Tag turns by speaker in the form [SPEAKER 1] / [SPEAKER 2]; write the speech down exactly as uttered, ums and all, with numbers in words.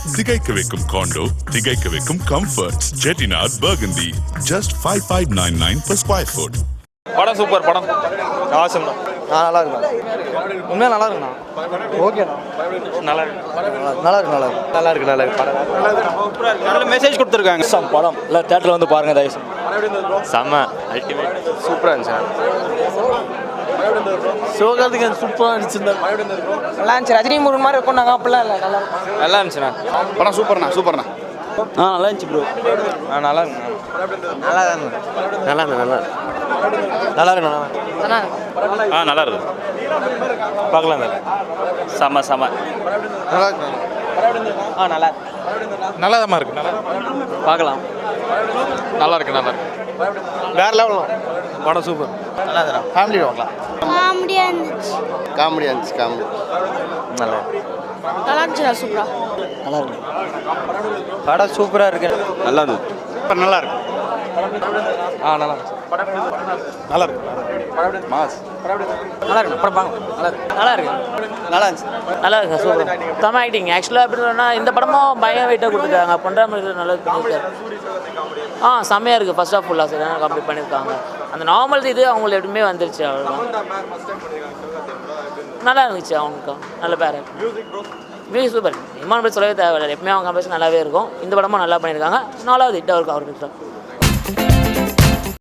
[SPEAKER 1] திகைக்க வைக்கும் காண்டோ, திகைக்க வைக்கும் comforts. Chettinad burgundy, just five five nine nine per square foot.
[SPEAKER 2] படம் சூப்பர் படம் ஆசம் தான்.
[SPEAKER 3] ஆ நல்லா இருக்குண்ணா, உண்மையாக நல்லா இருக்குண்ணா. ஓகேண்ணா,
[SPEAKER 2] நல்லா இருக்கு
[SPEAKER 3] நல்லா இருக்கு நல்லா இருக்கு நல்லா இருக்கு நல்லா இருக்கு படம்
[SPEAKER 2] நல்ல மெசேஜ் கொடுத்துருக்காங்க.
[SPEAKER 3] சம் படம் இல்லை தேட்டரில் வந்து பாருங்கள் தயவு
[SPEAKER 2] செம்ம அல்டிமேட்
[SPEAKER 3] சூப்பராக இருந்துச்சு. சிவகார்த்திகேயன் சூப்பராக நடிச்சிருந்தார்.
[SPEAKER 4] நல்லா இருந்துச்சு. ரஜினி முருகன் மாதிரி இருக்கும். நாங்கள் அப்படிலாம் இல்லை, நல்லா
[SPEAKER 2] நல்லா இருந்துச்சுண்ணா.
[SPEAKER 3] படம் சூப்பர்ண்ணா சூப்பர்ண்ணா. ஆ நல்லா இருந்துச்சு ப்ரோ.
[SPEAKER 2] ஆ நல்லா இருக்குண்ணா.
[SPEAKER 3] நல்லா தான் நல்லா இருக்கு நல்லா நல்லா இருக்கு நல்லா
[SPEAKER 4] நல்லா
[SPEAKER 2] ஆ நல்லா இருக்கு பார்க்கலாம். செம்ம செம்ம
[SPEAKER 3] நல்லா இருக்கு.
[SPEAKER 4] ஆ நல்லா
[SPEAKER 2] நல்லா தான் இருக்கு. நல்லா
[SPEAKER 3] பார்க்கலாம்.
[SPEAKER 2] நல்லா இருக்கு நல்லா இருக்கு
[SPEAKER 3] வேற லெவலும்
[SPEAKER 2] படம் சூப்பர்.
[SPEAKER 3] நல்லா இருக்குண்ணா. ஃபேமிலி பார்க்கலாம்.
[SPEAKER 5] காமெடியாக இருந்துச்சு.
[SPEAKER 3] காமெடியாக இருந்துச்சு. காமெடி நல்லா
[SPEAKER 5] நல்லா இருந்துச்சு. சூப்பரா
[SPEAKER 3] நல்லா இருக்கு. படம் சூப்பராக இருக்கு.
[SPEAKER 2] நல்லா இருந்தது.
[SPEAKER 3] இப்போ நல்லா இருக்கு.
[SPEAKER 2] ஆ நல்லா இருக்கு நல்லா இருக்கு மாஸ்
[SPEAKER 4] நல்லா இருக்கு. படம் பாருங்க. நல்லா இருக்கு நல்லா இருக்கு
[SPEAKER 3] நல்லா இருந்துச்சு.
[SPEAKER 4] நல்லா இருக்கு. சூப்பர் தம் ஆக்டிங். ஆக்சுவலாக எப்படி சொன்னால் இந்த படமும் பயம் வெயிட்டாக கொடுத்துருக்காங்க. பண்ணுற மாதிரி நல்லா பண்ணியிருக்காரு. ஆ செம்மையாக இருக்குது. ஃபர்ஸ்ட் ஆஃப் ஃபுல்லாக சரியான கம்ப்ளீட் பண்ணியிருக்காங்க. அந்த நார்மல் இது அவங்களுக்கு எப்படியுமே வந்துருச்சு. அவ்வளோதான் நல்லா இருந்துச்சு. அவனுக்கு நல்ல பேர் மியூசிக் சூப்பர். இம்மான் பற்றி சொல்லவே தேவையில்லை. எப்பவுமே அவங்க கம்பேஷன் நல்லாவே இருக்கும். இந்த படமும் நல்லா பண்ணியிருக்காங்க. நாலாவது ஹிட்டாக இருக்கும் அவருக்கு.